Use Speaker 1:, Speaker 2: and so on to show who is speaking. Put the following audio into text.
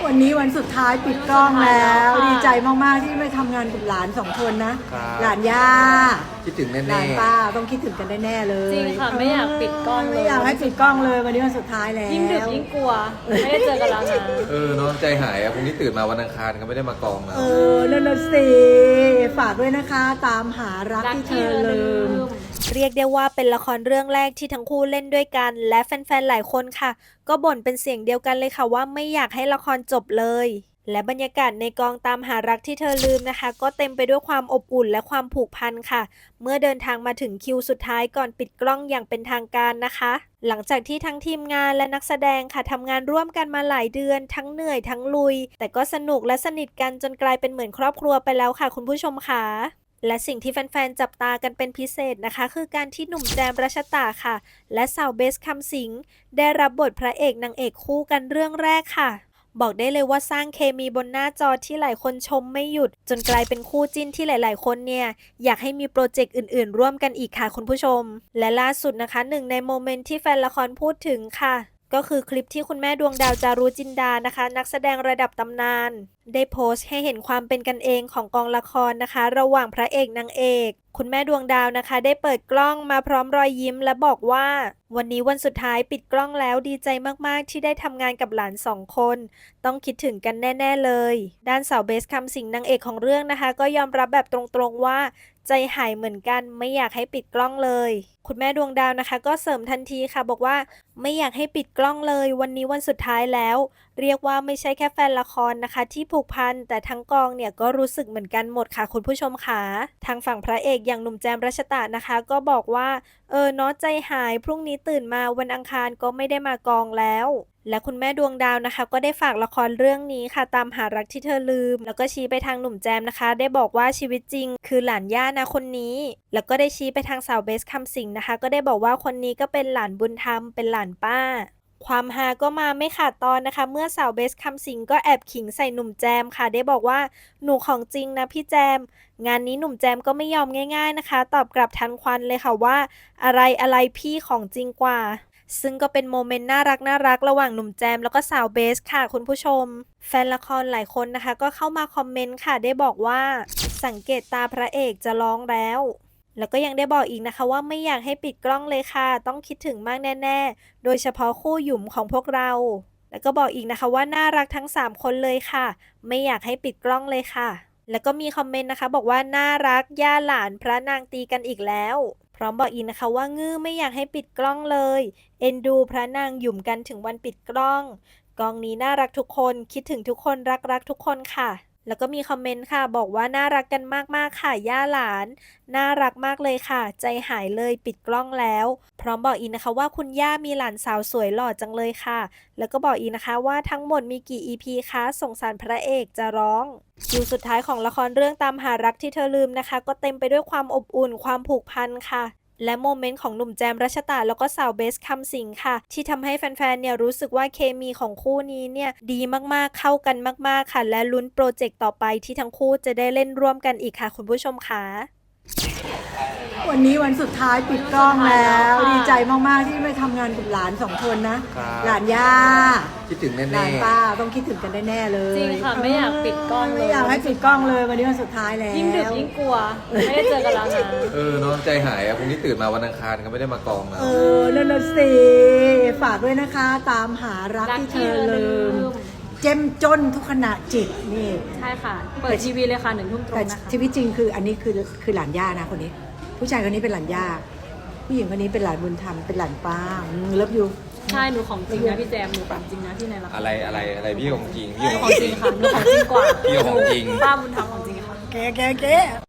Speaker 1: วันนี้วันสุดท้ายปิดกล้องแล้วดีใจมากๆที่ไม่ทำงานกับหลานสองคนนะหลานย่า
Speaker 2: คิดถึงแน่ๆ
Speaker 1: หลานป้าต้องคิดถึงกันแน่ๆเลย
Speaker 3: จริงค่ะไม่อยากปิดกล้องเลย
Speaker 1: ไม่อยากให้ปิดกล้องเลยวันนี้วันสุดท้ายแล้ว
Speaker 3: ยิ่งดึกยิ่งกลัวไม่ได้เจอกันแล้วนะ
Speaker 2: เนาะใจหายพรุ่งนี้ตื่นมาวันอังคารก็ไม่ได้มากองนะ
Speaker 1: นั่นสิฝากด้วยนะคะตามหารักที่เธอลืม
Speaker 4: เรียกได้ว่าเป็นละครเรื่องแรกที่ทั้งคู่เล่นด้วยกันและแฟนๆหลายคนค่ะก็บ่นเป็นเสียงเดียวกันเลยค่ะว่าไม่อยากให้ละครจบเลยและบรรยากาศในกองตามหารักที่เธอลืมนะคะก็เต็มไปด้วยความอบอุ่นและความผูกพันค่ะเมื่อเดินทางมาถึงคิวสุดท้ายก่อนปิดกล้องอย่างเป็นทางการนะคะหลังจากที่ทั้งทีมงานและนักแสดงค่ะทำงานร่วมกันมาหลายเดือนทั้งเหนื่อยทั้งลุยแต่ก็สนุกและสนิทกันจนกลายเป็นเหมือนครอบครัวไปแล้วค่ะคุณผู้ชมค่ะและสิ่งที่แฟนๆจับตากันเป็นพิเศษนะคะคือการที่หนุ่มแจมรัชตาค่ะและสาวเบสคำสิงได้รับบทพระเอกนางเอกคู่กันเรื่องแรกค่ะบอกได้เลยว่าสร้างเคมีบนหน้าจอที่หลายคนชมไม่หยุดจนกลายเป็นคู่จิ้นที่หลายๆคนเนี่ยอยากให้มีโปรเจกต์อื่นๆร่วมกันอีกค่ะคุณผู้ชมและล่าสุดนะคะหนึ่งในโมเมนต์ที่แฟนละครพูดถึงค่ะก็คือคลิปที่คุณแม่ดวงดาวจารุจินดานะคะนักแสดงระดับตำนานได้โพสต์ให้เห็นความเป็นกันเองของกองละครนะคะระหว่างพระเอกนางเอกคุณแม่ดวงดาวนะคะได้เปิดกล้องมาพร้อมรอยยิ้มและบอกว่าวันนี้วันสุดท้ายปิดกล้องแล้วดีใจมากๆที่ได้ทำงานกับหลาน2คนต้องคิดถึงกันแน่ๆเลยด้านสาวเบสคำสิงนางเอกของเรื่องนะคะก็ยอมรับแบบตรงๆว่าใจหายเหมือนกันไม่อยากให้ปิดกล้องเลยคุณแม่ดวงดาวนะคะก็เสริมทันทีค่ะบอกว่าไม่อยากให้ปิดกล้องเลยวันนี้วันสุดท้ายแล้วเรียกว่าไม่ใช่แค่แฟนละครนะคะที่ผูกพันแต่ทั้งกองเนี่ยก็รู้สึกเหมือนกันหมดค่ะคุณผู้ชมค่ะทางฝั่งพระเอกอย่างหนุ่มแจมรัชตะนะคะก็บอกว่าเนาะใจหายพรุ่งนี้ตื่นมาวันอังคารก็ไม่ได้มากองแล้วและคุณแม่ดวงดาวนะคะก็ได้ฝากละครเรื่องนี้ค่ะตามหารักที่เธอลืมแล้วก็ชี้ไปทางหนุ่มแจมนะคะได้บอกว่าชีวิตจริงคือหลานย่านะคนนี้แล้วก็ได้ชี้ไปทางสาวเบสคำสิงนะคะก็ได้บอกว่าคนนี้ก็เป็นหลานบุญธรรมเป็นหลานป้าความฮาก็มาไม่ขาดตอนนะคะเมื่อสาวเบสคำสิงก็แอบขิงใส่หนุ่มแจมค่ะได้บอกว่าหนูของจริงนะพี่แจมงานนี้หนุ่มแจมก็ไม่ยอมง่ายๆนะคะตอบกลับทันควันเลยค่ะว่าอะไรพี่ของจริงกว่าซึ่งก็เป็นโมเมนต์น่ารักระหว่างหนุ่มแจมแล้วก็สาวเบสค่ะคุณผู้ชมแฟนละครหลายคนนะคะก็เข้ามาคอมเมนต์ค่ะได้บอกว่าสังเกตตาพระเอกจะร้องแล้วก็ยังได้บอกอีกนะคะว่าไม่อยากให้ปิดกล้องเลยค่ะต้องคิดถึงมากแน่ๆโดยเฉพาะคู่หยุ่มของพวกเราแล้วก็บอกอีกนะคะว่าน่ารักทั้ง3คนเลยค่ะไม่อยากให้ปิดกล้องเลยค่ะแล้วก็มีคอมเมนต์นะคะบอกว่าน่ารักย่าหลานพระนางตีกันอีกแล้วพร้อมบอกอีกนะคะว่างื้อไม่อยากให้ปิดกล้องเลยเอ็นดูพระนางหยุ่มกันถึงวันปิดกล้องกองนี้น่ารักทุกคนคิดถึงทุกคนรักทุกคนค่ะแล้วก็มีคอมเมนต์ค่ะบอกว่าน่ารักกันมากๆค่ะย่าหลานน่ารักมากเลยค่ะใจหายเลยปิดกล้องแล้วพร้อมบอกอีกนะคะว่าคุณย่ามีหลานสาวสวยหล่อจังเลยค่ะแล้วก็บอกอีกนะคะว่าทั้งหมดมีกี่ EP คะสงสารพระเอกจะร้องคิวสุดท้ายของละครเรื่องตามหารักที่เธอลืมนะคะก็เต็มไปด้วยความอบอุ่นความผูกพันค่ะและโมเมนต์ของหนุ่มแจมรัชตาแล้วก็สาวเบสคำสิงค่ะที่ทำให้แฟนๆเนี่ยรู้สึกว่าเคมีของคู่นี้เนี่ยดีมากๆเข้ากันมากๆค่ะและลุ้นโปรเจกต์ต่อไปที่ทั้งคู่จะได้เล่นร่วมกันอีกค่ะคุณผู้ชมค่ะ
Speaker 1: วันนี้วันสุดท้ายปิดกล้องแล้วดีใจมากๆที่ไม่ทำงานกับหลาน2คนนะหลานย่า
Speaker 2: คิดถึงแน่ๆ
Speaker 1: หลานป้าต้องคิดถึงกันแน่ๆเลย
Speaker 3: จริงค่ะไม่อยากปิดกล้องเลย
Speaker 1: ไม่อยากให้ปิดกล้องเลยวันนี้วันสุดท้ายแล้ว
Speaker 3: ยิ่งดึกยิ่งกลัวไม่ได้เจอกันแล้วนะ
Speaker 2: เนาะใจหายพรุ่งนี้ตื่นมาวันอังคารก็ไม่ได้มากองนะ
Speaker 1: นั่นสิฝากด้วยนะคะตามหารักที่เธอลืมเจ้มจนทุกขณะจิตนี่
Speaker 3: ใช่ค่ะเปิดทีวีเลยค่ะ1 ทุ่มตรงนะคะ
Speaker 1: ชีวิตจริงคืออันนี้คือหลานย่านะคนนี้ผู้ชายคนนี้เป็นหลานย่าผู้หญิงคนนี้เป็นหลานบุญธรรมเป็นหลานป้าเลิฟยู
Speaker 3: ใช่หนูของจริงนะพี่แจมหนูของจริงนะที่ในละคร
Speaker 2: อะไรพี่ของจริง
Speaker 3: พี่ของจริงค่ะหนูของจริงกว่า
Speaker 2: พี่ของจริง
Speaker 3: ป้าบุญธรรมของจริงค่ะ
Speaker 1: แก